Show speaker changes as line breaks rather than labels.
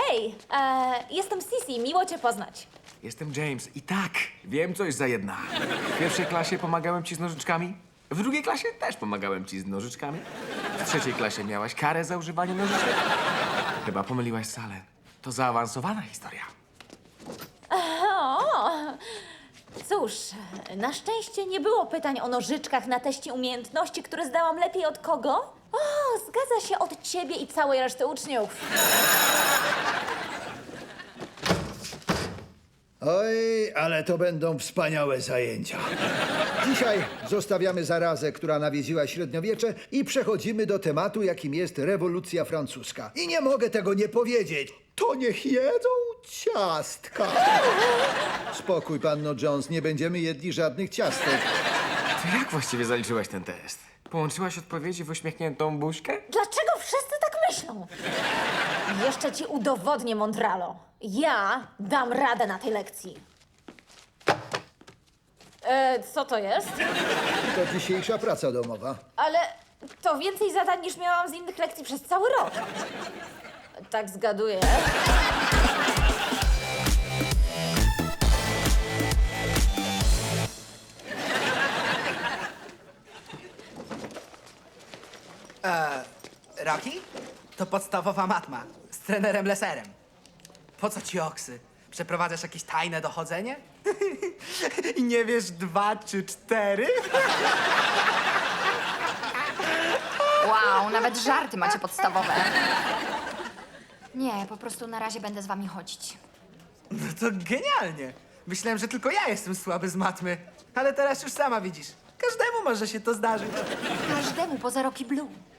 Hej, jestem Sisi, miło cię poznać.
Jestem James i tak, wiem coś za jedna. W pierwszej klasie pomagałem ci z nożyczkami. W drugiej klasie też pomagałem ci z nożyczkami. W trzeciej klasie miałaś karę za używanie nożyczek. Chyba pomyliłaś salę. To zaawansowana historia.
O, cóż, na szczęście nie było pytań o nożyczkach na teście umiejętności, które zdałam lepiej od kogo? O, zgadza się, od ciebie i całej reszty uczniów.
Oj, ale to będą wspaniałe zajęcia. Dzisiaj zostawiamy zarazę, która nawiedziła średniowiecze i przechodzimy do tematu, jakim jest rewolucja francuska. I nie mogę tego nie powiedzieć. To niech jedzą ciastka. Spokój, panno Jones, nie będziemy jedli żadnych ciastek.
To jak właściwie zaliczyłaś ten test? Połączyłaś odpowiedzi w uśmiechniętą buźkę?
Dlaczego wszyscy tak myślą? Jeszcze ci udowodnię, Mondralo. Ja dam radę na tej lekcji. Co to jest?
To dzisiejsza praca domowa.
Ale to więcej zadań niż miałam z innych lekcji przez cały rok. Tak zgaduję.
Rocky? To podstawowa matma. Z trenerem Leserem. Po co ci oksy? Przeprowadzasz jakieś tajne dochodzenie? I nie wiesz 2 czy 4?
Wow, nawet żarty macie podstawowe. Nie, po prostu na razie będę z wami chodzić.
No to genialnie. Myślałem, że tylko ja jestem słaby z matmy. Ale teraz już sama widzisz. Każdemu może się to zdarzyć.
Każdemu poza Rocky Blue.